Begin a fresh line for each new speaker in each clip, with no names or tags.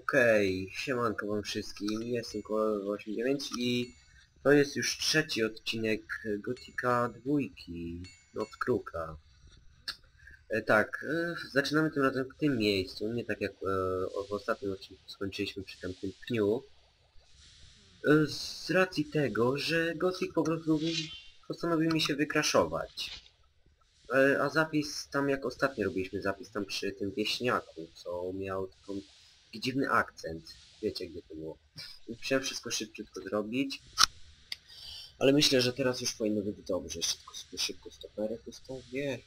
Okej, siemanko wam wszystkim, jestem Kolo89 i to jest już trzeci odcinek Gotika 2, Noc Kruka. Zaczynamy tym razem w tym miejscu, nie tak jak w ostatnim odcinku skończyliśmy przy tamtym pniu. Z racji tego, że Gothic po prostu postanowił mi się wykraszować. A zapis tam, jak ostatnio robiliśmy zapis tam przy tym wieśniaku, co miał taki dziwny akcent. Wiecie, gdzie to było. Musiałem wszystko szybciutko zrobić. Ale myślę, że teraz już powinno być dobrze. Szybko stoperek ustawię.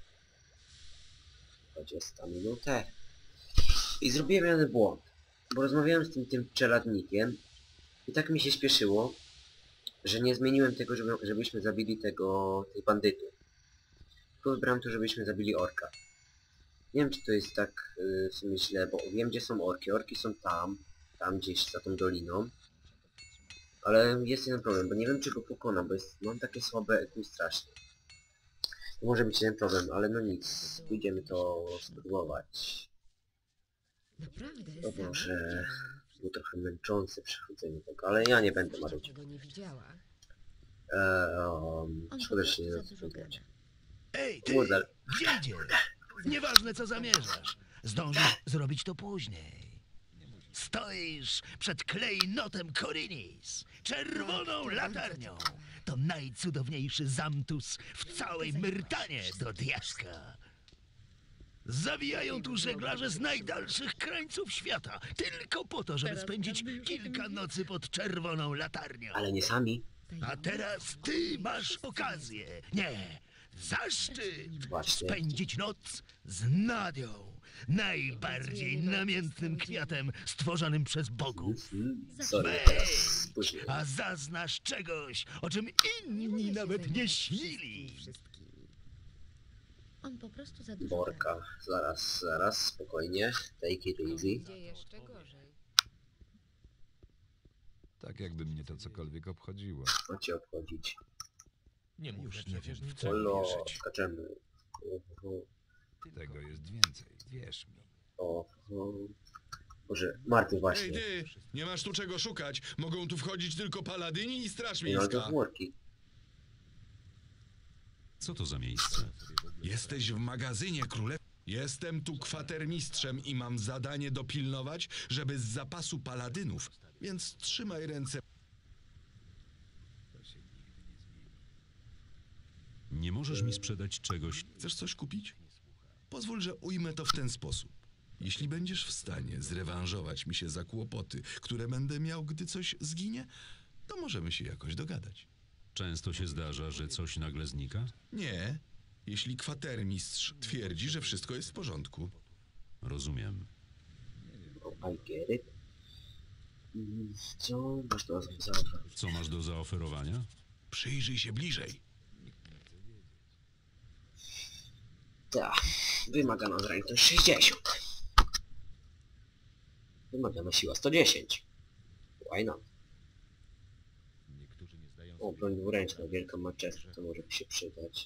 20 minutę. I zrobiłem jeden błąd. Bo rozmawiałem z tym czeladnikiem. I tak mi się śpieszyło, że nie zmieniłem tego, żebyśmy zabili tych bandytów. Tylko wybrałem to, żebyśmy zabili orka. Nie wiem, czy to jest tak w sumie źle, bo wiem, gdzie są orki. Orki są tam gdzieś za tą doliną. Ale jest jeden problem, bo nie wiem, czy go pokonam, bo mam takie słabe EQ strasznie. To może być jeden problem, ale no nic. Pójdziemy to spróbować. To może było trochę męczące przechodzenie tego, ale ja nie będę marzyć. Szkoda, że się nie zatrzymać.
Ej, ty! Gdzie idziesz? Nieważne, co zamierzasz. Zdążysz zrobić to później. Stoisz przed klejnotem Korinis, czerwoną latarnią. To najcudowniejszy zamtus w całej Myrtanie do diaska. Zawijają tu żeglarze z najdalszych krańców świata, tylko po to, żeby spędzić kilka nocy pod czerwoną latarnią.
Ale nie sami.
A teraz ty masz okazję, nie, zaszczyt
Właśnie.
spędzić noc z Nadią, najbardziej namiętnym kwiatem stworzonym przez bogów.
Sorry, teraz później.
A zaznasz czegoś, o czym inni nawet nie śnili.
On po prostu za dużo
Borka. Zaraz, spokojnie. Take it easy.
Gdzie jeszcze gorzej.
Tak jakby mnie to cokolwiek obchodziło.
Co cię obchodzić?
Już nie wiem, w co
Olo,
wierzyć.
skaczemy.
Tego jest więcej, wierz mi.
Boże, Marty
Ej
właśnie.
ty, nie masz tu czego szukać. Mogą tu wchodzić tylko paladyni i straż
Nie, no to
miejska.
worki.
Co to za miejsce?
Jesteś w magazynie królew. Jestem tu kwatermistrzem i mam zadanie dopilnować, żeby z zapasu paladynów, więc trzymaj ręce.
Nie możesz mi sprzedać czegoś.
Chcesz coś kupić? Pozwól, że ujmę to w ten sposób. Jeśli będziesz w stanie zrewanżować mi się za kłopoty, które będę miał, gdy coś zginie, to możemy się jakoś dogadać.
Często się zdarza, że coś nagle znika?
Nie, jeśli kwatermistrz twierdzi, że wszystko jest w porządku.
Rozumiem.
I get it. Co masz do zaoferowania?
Co masz do zaoferowania?
Przyjrzyj się bliżej.
Tak, wymagana zręczność 60. Wymagana siła 110. Why not? O, broń dwuręczna, wielka maczeta, to może by się przydać.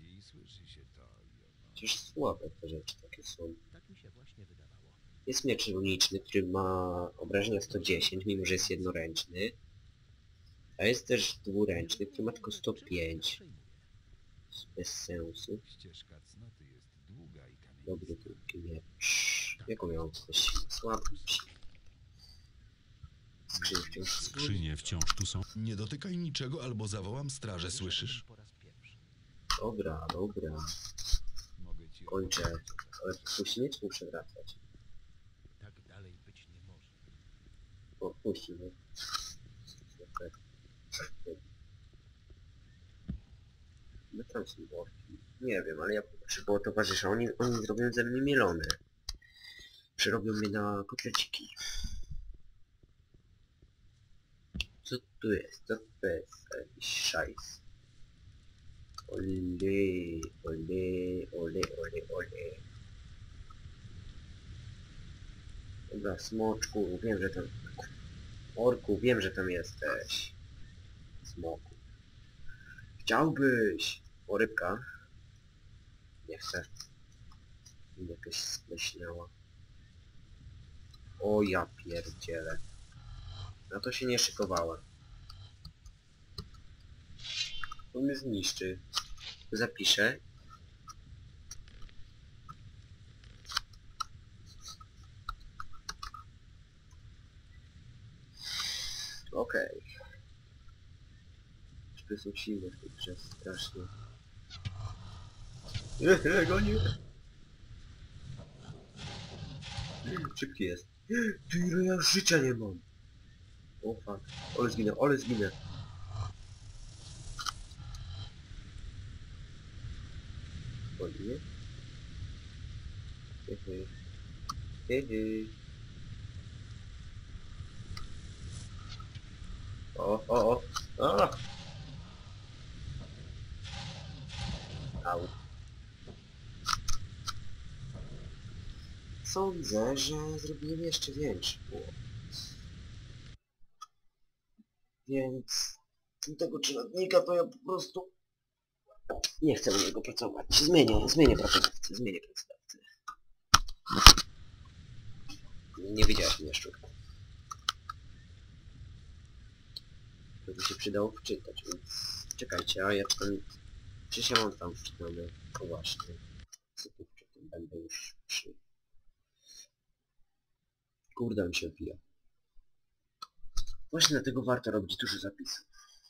Przecież słabe te rzeczy takie są. Jest miecz runiczny, który ma obrażenia 110, mimo że jest jednoręczny. A jest też dwuręczny, który ma tylko 105. Bez sensu. Dobry krótki miecz. Jaką miał coś? Słaby.
Skrzynie wciąż tu są.
Nie dotykaj niczego, albo zawołam strażę, słyszysz?
Dobra. Kończę. Ale puści miecz muszę wracać.
Tak dalej być nie może.
O, puści mnie. No tam są worki. Nie wiem, ale ja poproszę było towarzysza. Oni zrobią ze mnie mielone. Przerobią mnie na kotleciki. Co tu jest? Co to jest? Jakiś szajs. Ole. Dobra, smoczku, wiem, że tam... Orku, wiem, że tam jesteś. Smoku. Chciałbyś! O, rybka. Nie chcę. Jakaś spleśniała. O ja pierdzielę. Na to się nie szykowałem. On mnie zniszczy. Zapiszę. Okej. Szpy są silne w tej grze, strasznie. Gonię! Szybki jest. Ty, ile ja już życia nie mam. O fuck. Ole zginę, ole zginę. O nie? Hehe. Hehe. O. A! Au. Sądzę, że zrobiłem jeszcze większy błąd. Więc tego czeladnika to ja po prostu nie chcę u niego pracować. Zmienię pracodawcę. Nie widziałeś mnie, szczurku. To by się przydało wczytać, więc czekajcie, a ja tam... Przecież ja mam tam wczytane. O właśnie. Co tu wczytam? Będę już przy... Kurde, mi się odbija. Właśnie dlatego warto robić dużo zapisów.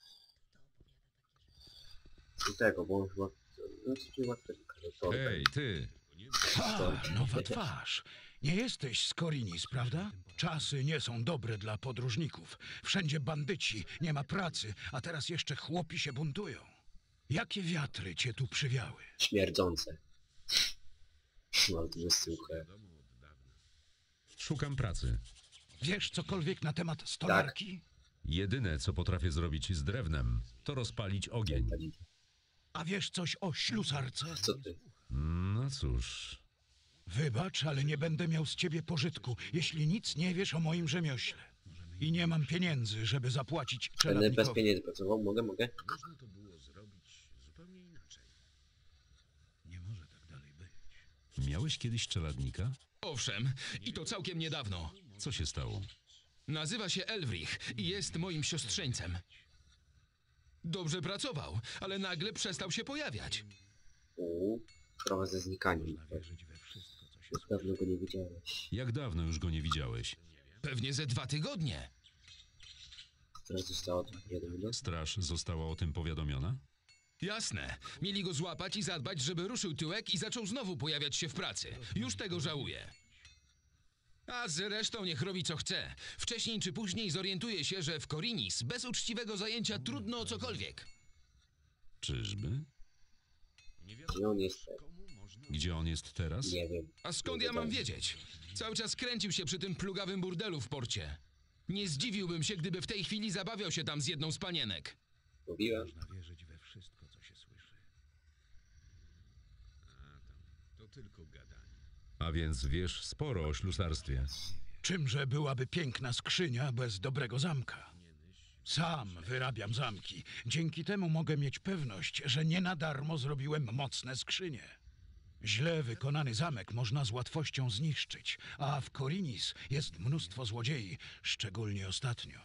Do tego, bo on chyba... No co tu łatwo.
Hej, ty!
Nowa twarz. Nie jesteś z Korinis, prawda? Czasy nie są dobre dla podróżników. Wszędzie bandyci, nie ma pracy, a teraz jeszcze chłopi się buntują. Jakie wiatry cię tu przywiały?
Śmierdzące. Mam dużo suche.
Szukam pracy.
Wiesz cokolwiek na temat stolarki?
Jedyne, co potrafię zrobić z drewnem, to rozpalić ogień.
A wiesz coś o ślusarce?
Co ty?
No cóż,
Wybacz, ale nie będę miał z ciebie pożytku, jeśli nic nie wiesz o moim rzemiośle. I nie mam pieniędzy, żeby zapłacić
Będę bez
czeladnikowi.
pieniędzy pracował? Mogę?
Nie może tak dalej być.
miałeś kiedyś czeladnika?
Owszem, i to całkiem niedawno.
Co się stało?
Nazywa się Elwrich i jest moim siostrzeńcem. Dobrze pracował, ale nagle przestał się pojawiać.
Sprawa ze znikaniem. Już dawno go nie widziałeś.
Jak dawno już go nie widziałeś?
Pewnie ze 2 tygodnie.
Teraz zostało to powiadomione.
Straż została o tym powiadomiona?
Jasne. Mieli go złapać i zadbać, żeby ruszył tyłek i zaczął znowu pojawiać się w pracy. Już tego żałuję. A zresztą niech robi co chce. Wcześniej czy później zorientuje się, że w Korinis bez uczciwego zajęcia trudno o cokolwiek.
Czyżby?
Gdzie on jest?
Gdzie on jest teraz?
Nie wiem.
A skąd ja mam wiedzieć? Cały czas kręcił się przy tym plugawym burdelu w porcie. Nie zdziwiłbym się, gdyby w tej chwili zabawiał się tam z jedną z panienek.
Mówiłem.
Wierzyć we wszystko, co się słyszy.
A więc wiesz sporo o ślusarstwie.
Czymże byłaby piękna skrzynia bez dobrego zamka? Sam wyrabiam zamki. Dzięki temu mogę mieć pewność, że nie na darmo zrobiłem mocne skrzynie. Źle wykonany zamek można z łatwością zniszczyć, a w Korinis jest mnóstwo złodziei, szczególnie ostatnio.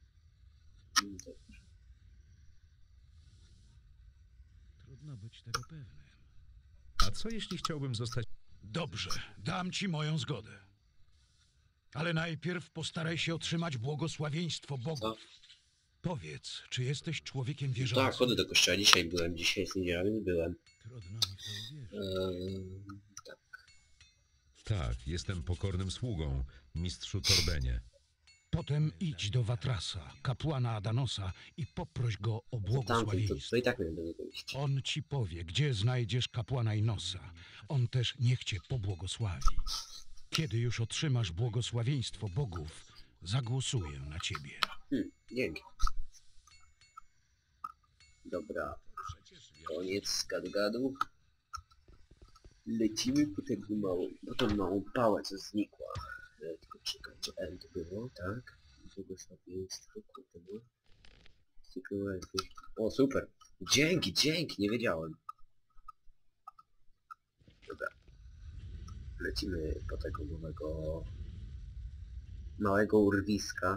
Trudno być tego pewnym.
A co jeśli chciałbym zostać...
Dobrze, dam ci moją zgodę. Ale najpierw postaraj się otrzymać błogosławieństwo
Co?
bogów. Powiedz, czy jesteś człowiekiem wierzącym?
Tak, chodzę do kościoła. Dzisiaj jest niedziela, więc byłem.
Trudno mi w to uwierzyć.
Tak.
Tak, jestem pokornym sługą, mistrzu Torbenie.
Potem idź do Watrasa, kapłana Adanosa i poproś go o
Tamten,
błogosławieństwo.
to i tak miałem do niego iść.
On ci powie, gdzie znajdziesz kapłana Inosa. On też niech cię pobłogosławi. Kiedy już otrzymasz błogosławieństwo bogów, zagłosuję na ciebie.
Dzięki. Dobra. Koniec gadu-gadu. Lecimy po tą małą pałę, co znikła. Tylko czekajcie, L to było, tak? Błogosławieństwo, kurde. O, super. Dzięki, nie wiedziałem. Dobra. Lecimy po tego nowego małego urwiska.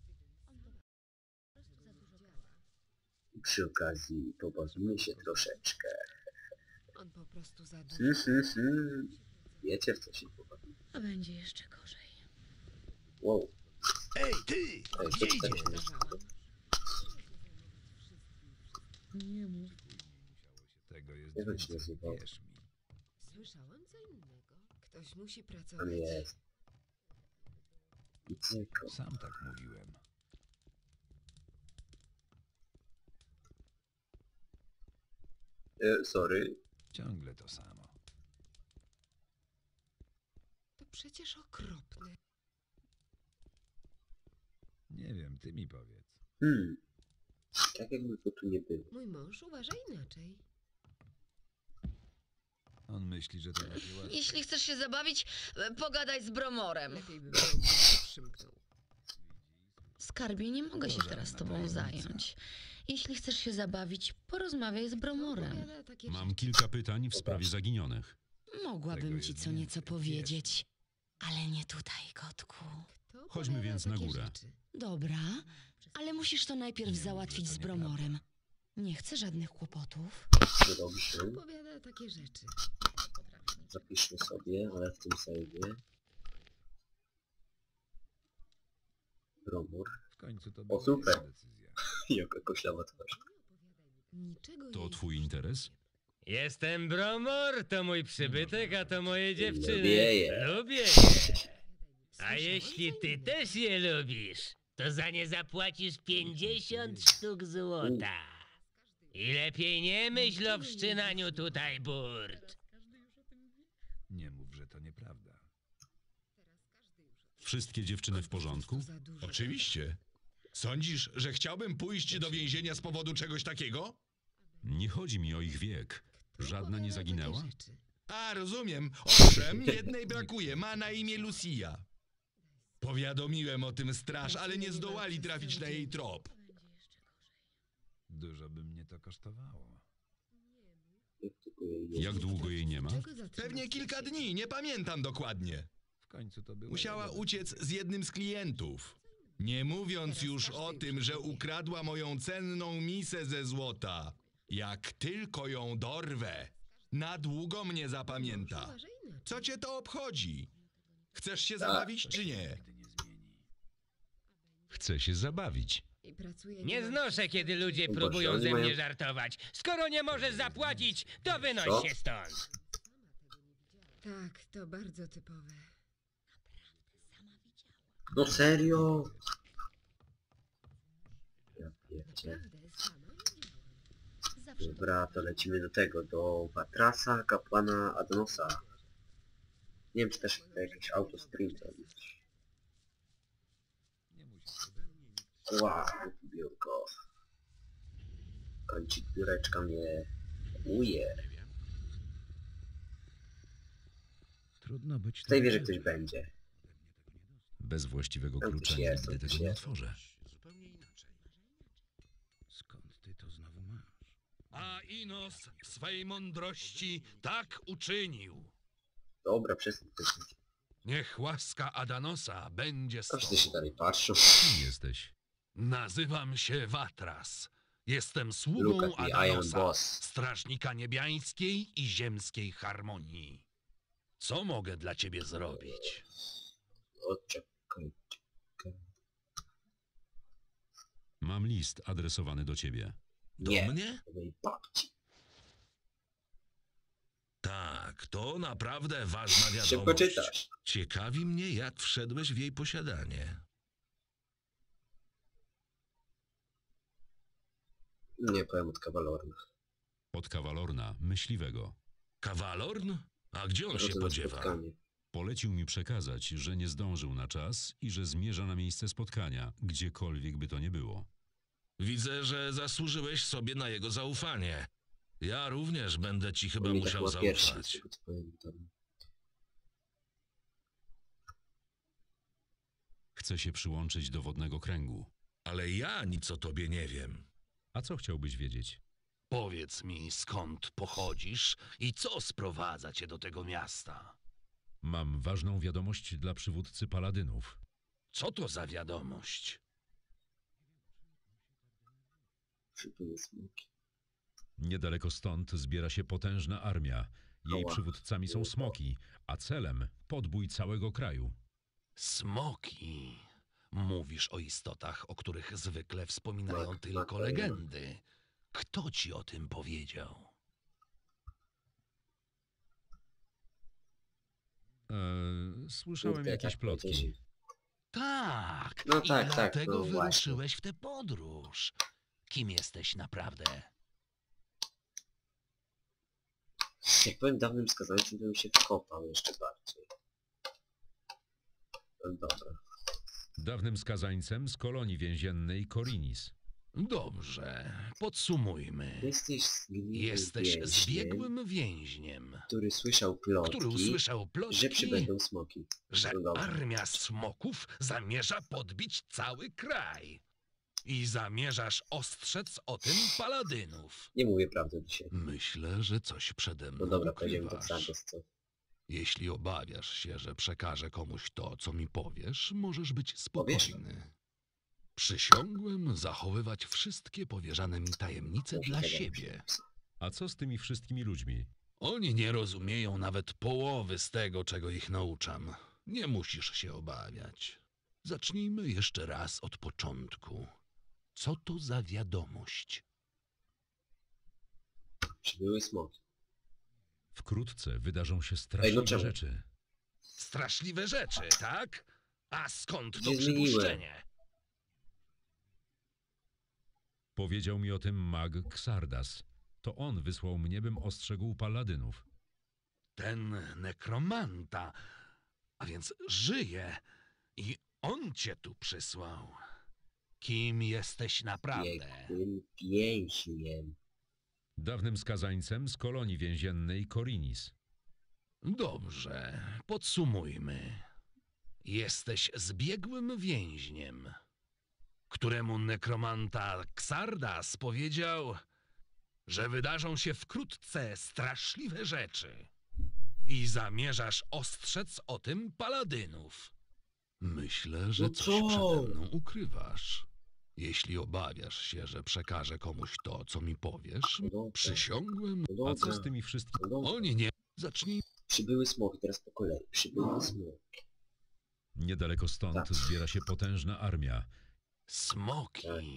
Przy okazji pobawimy się troszeczkę.
On po prostu za dużo.
Wiecie, w co się pobawimy.
A będzie jeszcze gorzej.
Wow.
Ej, ty!
Ej,
Gdzie
co tutaj
idziesz?
się
Nie mów.
Tego jest
Jak on się
więcej,
nazywał?
wierz mi.
Słyszałam co innego. Ktoś musi
Tam
pracować.
jest. I cyko.
Sam tak mówiłem.
Sorry.
Ciągle to samo.
To przecież okropne.
Nie wiem, ty mi powiedz.
Tak jakby go tu nie było.
Mój mąż uważa inaczej.
On myśli, że to takie łatwe.
Jeśli chcesz się zabawić, pogadaj z Bromorem.
Lepiej by było, gdyby się przymknął.
Skarbie, nie mogę się teraz tobą zająć. Jeśli chcesz się zabawić, porozmawiaj z Bromorem.
Opowiada takie
Mam
rzeczy.
kilka pytań w sprawie zaginionych.
Mogłabym
Tego
ci
jest
co nieco
więcej,
powiedzieć, ale nie tutaj, kotku.
Kto
Chodźmy
opowiada
więc na
takie
górę.
rzeczy?
Dobra, ale musisz to najpierw załatwić z Bromorem. Nie chcę żadnych kłopotów.
No dobrze.
Opowiada takie rzeczy.
Zapiszmy sobie, ale w tym save'ie. Bromur.
W końcu to była
super.
jego decyzja.
Jaka koślawa twarz.
Niczego
To
jej
twój
się
interes?
Jestem Bromor, to mój przybytek, a to moje dziewczyny.
Lubię je.
Lubię je. A jeśli ty też je lubisz, to za nie zapłacisz 50 sztuk złota. I lepiej nie myśl o wszczynaniu tutaj burt.
Nie mów, że to nieprawda.
Wszystkie dziewczyny w porządku?
za dużo.
Oczywiście. Sądzisz, że chciałbym pójść do więzienia z powodu czegoś takiego?
Nie chodzi mi o ich wiek.
Kto
Żadna
opowiada
nie
takie
zaginęła?
rzeczy?
A, rozumiem. Owszem, jednej brakuje. Ma na imię Lucia. Powiadomiłem o tym straż, ale nie zdołali trafić na jej trop.
Dużo by mnie to kosztowało.
Jak długo jej nie ma?
Czego zatrzymać
Pewnie kilka
się?
dni, nie pamiętam dokładnie.
W końcu to było
Musiała
jego
uciec z jednym z klientów. Nie mówiąc już o tym, że ukradła moją cenną misę ze złota. Jak tylko ją dorwę, na długo mnie zapamięta.
Uważa inaczej.
Co cię to obchodzi? Chcesz się zabawić czy nie?
nigdy nie zmieni.
Chcę się zabawić.
I pracuje
Nie
niemal
znoszę, kiedy ludzie
Boże,
próbują
oni
ze
mają-
mnie żartować. Skoro nie możesz zapłacić, to wynoś
Co?
się stąd.
Tak, to bardzo typowe.
No serio? Ja pierdzie.
Naprawdę, sama widziałam.
Zawsze
Dobra, to lecimy do tego, do Watrasa, kapłana Adnosa. Nie wiem, czy też to jakieś auto sprint robić.
Nie musisz.
Wow, biurko. Kończyk biureczka mnie uje.
Trudno być
W tej wieży ktoś będzie.
Bez właściwego
Tam
klucza
coś jest,
nigdy
tam
tego
coś
nie
jest.
otworzę.
Skąd ty to znowu masz?
A Inos w swej mądrości tak uczynił.
Dobra, przestań.
Niech łaska Adanosa będzie z
Każdy się
tobą.
dalej patrzą.
Kim jesteś?
Nazywam się Watras. Jestem
Look
sługą
at me, I am
Adanosa,
boss.
strażnika niebiańskiej i ziemskiej harmonii. Co mogę dla ciebie zrobić?
O, czekaj.
Mam list adresowany do ciebie.
Nie,
mnie?
do mojej babci.
Tak, to naprawdę ważna wiadomość.
Szybko czytasz.
Ciekawi mnie, jak wszedłeś w jej posiadanie.
Nie powiem od kawalorna.
Od kawalorna, myśliwego.
Kawalorn? A gdzie on się
Drodze na
podziewa?
spotkanie.
Polecił mi przekazać, że nie zdążył na czas i że zmierza na miejsce spotkania, gdziekolwiek by to nie było.
Widzę, że zasłużyłeś sobie na jego zaufanie. Ja również będę ci chyba
On mi tak
musiał
chyba pierwszy, z
zaufać.
tego co pamiętam.
Chce się przyłączyć do wodnego kręgu.
Ale ja nic o tobie nie wiem.
A co chciałbyś wiedzieć?
Powiedz mi, skąd pochodzisz i co sprowadza cię do tego miasta?
Mam ważną wiadomość dla przywódcy paladynów.
Co to za wiadomość?
Przybyły smoki.
Niedaleko stąd zbiera się potężna armia. Jej
Ała.
przywódcami są smoki, a celem podbój całego kraju.
Smoki. Mówisz o istotach, o których zwykle wspominają
Tak,
tylko
tak,
legendy. Kto ci o tym powiedział?
Słyszałem
Kurde,
jakieś
tak
plotki.
powiedzieli.
Tak,
No
i
tak, tak,
dlatego
no właśnie.
wyruszyłeś w tę podróż. Kim jesteś naprawdę?
Jak powiem dawnym skazańcem, to bym się wkopał jeszcze bardziej. No dobra.
Dawnym skazańcem z kolonii więziennej Korinis.
Dobrze, podsumujmy.
Jesteś zgniłym
Jesteś
więźniem,
zbiegłym więźniem,
który słyszał plotki,
który usłyszał
że
plotki,
przybędą smoki.
że
No dobra.
armia smoków zamierza podbić cały kraj. I zamierzasz ostrzec o tym paladynów.
Nie mówię prawdy dzisiaj.
Myślę, że coś przede mną
No dobra, powiedziałem to
ukrywasz.
prawdę, co?
Jeśli obawiasz się, że przekażę komuś to, co mi powiesz, możesz być
Powiesz?
spokojny. Przysiągłem zachowywać wszystkie powierzane mi tajemnice
Może
dla
tego
siebie.
A co z tymi wszystkimi ludźmi?
Oni nie rozumieją nawet połowy z tego, czego ich nauczam. Nie musisz się obawiać. Zacznijmy jeszcze raz od początku. Co to za wiadomość?
Przybyły smoki.
Wkrótce wydarzą się straszliwe
czemu?
rzeczy.
Straszliwe rzeczy, tak? A skąd to
Się zmieniłem.
przypuszczenie?
Powiedział mi o tym mag Xardas. To on wysłał mnie, bym ostrzegł paladynów.
Ten nekromanta, a więc żyje i on cię tu przysłał. Kim jesteś naprawdę?
Biegłym więźniem.
Dawnym skazańcem z kolonii więziennej Korinis.
Dobrze, podsumujmy. Jesteś zbiegłym więźniem, któremu nekromanta Xardas powiedział, że wydarzą się wkrótce straszliwe rzeczy i zamierzasz ostrzec o tym paladynów. Myślę, że
No
coś
co?
przede mną ukrywasz. Jeśli obawiasz się, że przekażę komuś to, co mi powiesz,
No dobra.
przysiągłem.
No
A co
dobra.
z tymi wszystkimi?
No dobra.
Oni nie. Zacznij.
Przybyły smoki, teraz po kolei. Przybyły smoki.
Niedaleko stąd
Tak.
zbiera się potężna armia.
Smoki.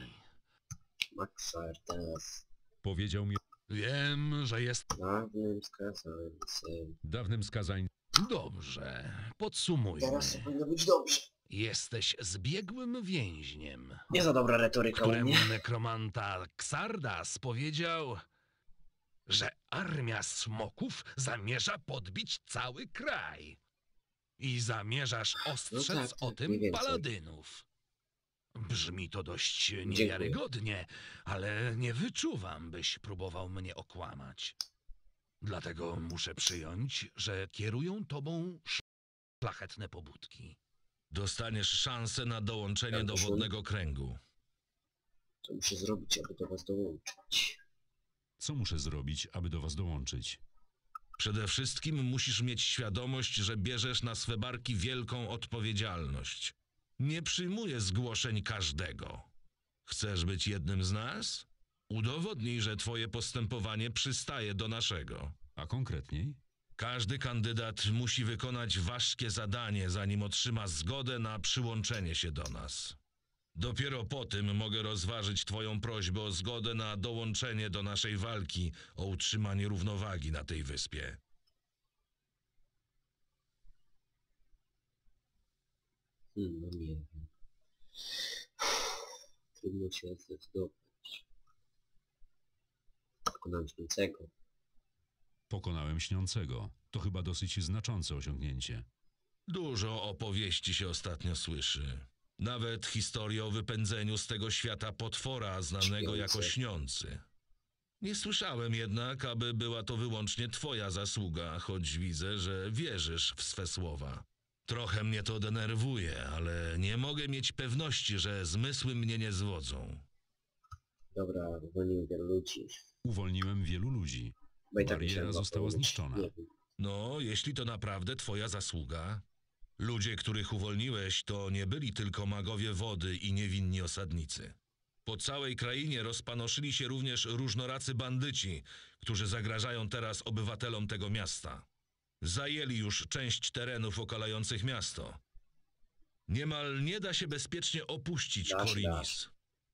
Maxardas.
Powiedział mi
Wiem, że jest
Dawnym skazańcem.
dawnym skazańcem.
dobrze. Podsumujmy.
Teraz to powinno być dobrze.
Jesteś zbiegłym więźniem,
Nie za dobra retoryka u
któremu
mnie.
nekromanta Xardas powiedział, że armia smoków zamierza podbić cały kraj. I zamierzasz ostrzec
tak,
o
tak,
tym
mniej więcej.
paladynów. Brzmi to dość niewiarygodnie, ale nie wyczuwam, byś próbował mnie okłamać. Dlatego muszę przyjąć, że kierują tobą szlachetne pobudki.
Dostaniesz szansę na dołączenie
Tak,
do
proszę.
wodnego kręgu.
Co muszę zrobić, aby do was dołączyć?
Co muszę zrobić, aby do was dołączyć?
Przede wszystkim musisz mieć świadomość, że bierzesz na swe barki wielką odpowiedzialność. Nie przyjmuję zgłoszeń każdego. Chcesz być jednym z nas? Udowodnij, że twoje postępowanie przystaje do naszego.
A konkretniej?
Każdy kandydat musi wykonać ważkie zadanie, zanim otrzyma zgodę na przyłączenie się do nas. Dopiero po tym mogę rozważyć twoją prośbę o zgodę na dołączenie do naszej walki o utrzymanie równowagi na tej wyspie.
No nie wiem. Trudno się zdecydować. Pokonałem śniącego.
Pokonałem śniącego. To chyba dosyć znaczące osiągnięcie.
Dużo opowieści się ostatnio słyszy. Nawet historię o wypędzeniu z tego świata potwora znanego jako
Śniący.
Śniący. Nie słyszałem jednak, aby była to wyłącznie twoja zasługa, choć widzę, że wierzysz w swe słowa. Trochę mnie to denerwuje, ale nie mogę mieć pewności, że zmysły mnie nie zwodzą.
Dobra, uwolniłem wielu ludzi.
Uwolniłem wielu ludzi.
Bo i tak
Bariera
musiałem
została
uwolnić.
zniszczona.
Nie wiem.
No, jeśli to naprawdę twoja zasługa,
Ludzie, których uwolniłeś, to nie byli tylko magowie wody i niewinni osadnicy. Po całej krainie rozpanoszyli się również różnoracy bandyci, którzy zagrażają teraz obywatelom tego miasta. Zajęli już część terenów okalających miasto. Niemal nie da się bezpiecznie opuścić Korinis.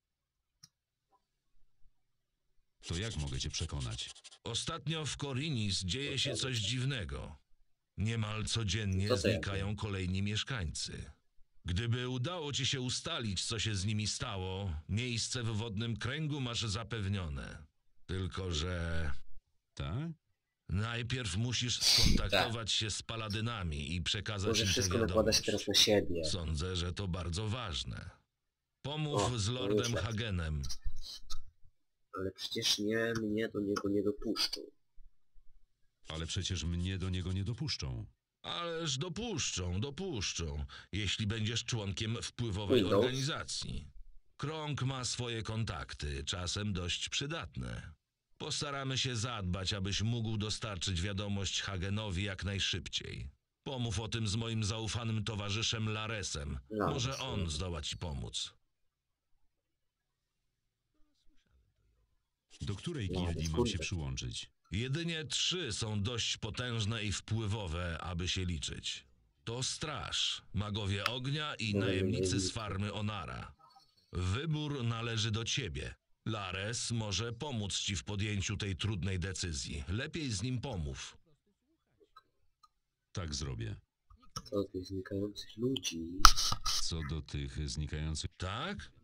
To jak mogę cię przekonać?
Ostatnio w Korinis dzieje się coś dziwnego. Niemal codziennie
Co to jest?
znikają kolejni mieszkańcy. Gdyby udało ci się ustalić, co się z nimi stało, miejsce w wodnym kręgu masz zapewnione. Tylko że
Tak?
najpierw musisz skontaktować się z paladynami i przekazać
Może
im tę
wszystko nakłada się
wiadomość.
teraz na siebie.
Sądzę, że to bardzo ważne. Pomów
O,
z
to
Lordem
już lepiej.
Hagenem.
Ale przecież mnie do niego nie dopuszczą.
Ale przecież mnie do niego nie dopuszczą.
Ależ dopuszczą, jeśli będziesz członkiem wpływowej
Windows.
organizacji. Krąg ma swoje kontakty, czasem dość przydatne. Postaramy się zadbać, abyś mógł dostarczyć wiadomość Hagenowi jak najszybciej. Pomów o tym z moim zaufanym towarzyszem Laresem. Może on zdoła ci pomóc.
Do której
No,
gildii mam
kurde.
się przyłączyć?
Jedynie 3 są dość potężne i wpływowe, aby się liczyć. To Straż, Magowie Ognia i najemnicy z farmy Onara. Wybór należy do ciebie. Lares może pomóc ci w podjęciu tej trudnej decyzji. Lepiej z nim pomów.
Tak zrobię.
Co tych znikających ludzi?
Co do tych znikających...
Tak?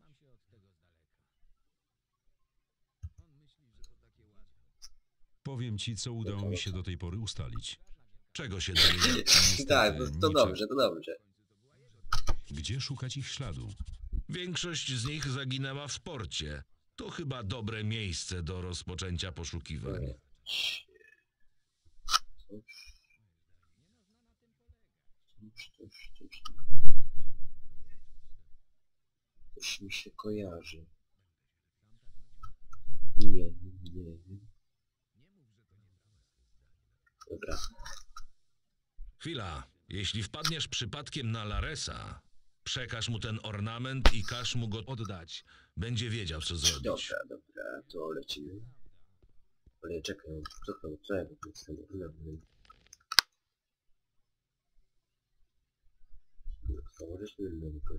Powiem ci, co udało mi się do tej pory ustalić.
Czego się dowiedzieć?
Tak, to
niczego.
dobrze, to dobrze.
Gdzie szukać ich śladu?
Większość z nich zaginęła w porcie. To chyba dobre miejsce do rozpoczęcia poszukiwań.
Coś mi się kojarzy. Nie wiem. Dobra.
Chwila. Jeśli wpadniesz przypadkiem na Laresa, przekaż mu ten ornament i każ mu go oddać. Będzie wiedział, co zrobić.
Dobra, to lecimy. Ale czekaj, co ja z tym ornamentem? Założyć mi mąkę.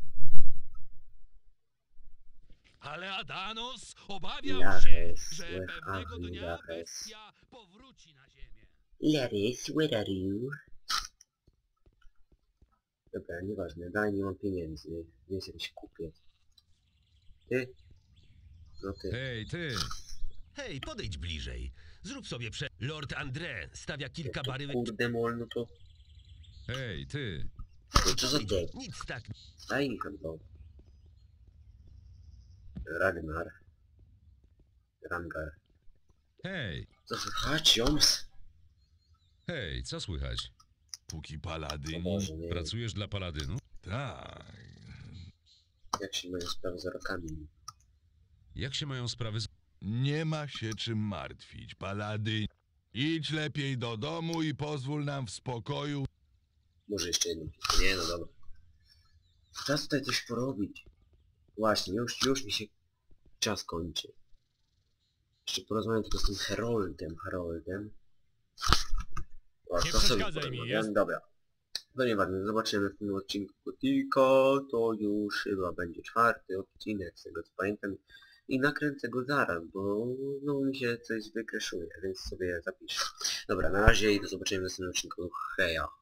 Ale Adanos obawiał
Lares,
się, że
where
pewnego
are you,
dnia
Lares?
bestia powróci na ziemię.
Lares, where are you? Dobra, nieważne, dalej nie mam pieniędzy, więc jakiś kupię. Ty? No ty.
Hej, ty!
Hej, podejdź bliżej. Zrób sobie Lord André stawia kilka baryłek...
Kurde mol, no to...
Hej, ty!
No co za dek?
Nic tak.
Daj mi tam to. Ragnar. Rangar.
Hej!
Co słychać, Joms?
Hej, co słychać?
Póki
O
paladyn...
Boże, nie wiem.
Pracujesz dla Paladynu?
Tak.
Jak się mają sprawy z rokami?
Jak się mają sprawy z...
Nie ma się czym martwić, paladyn. Idź lepiej do domu i pozwól nam w spokoju.
Może jeszcze jedną pizzę. Nie, no dobra. Czas tutaj coś porobić. Właśnie, już mi się czas kończy. Jeszcze porozmawiam tylko z tym Haroldem. O,
Nie
to sobie
przeszkadzaj mi,
porozmawiam.
jest?
Dobra. No nieważne, zobaczymy w tym odcinku Gotika. To już chyba będzie 4. odcinek, z tego co pamiętam. I nakręcę go zaraz, bo znowu mi się coś wykreszuje, więc sobie zapiszę. Dobra, na razie i do zobaczenia w następnym odcinku. Heja.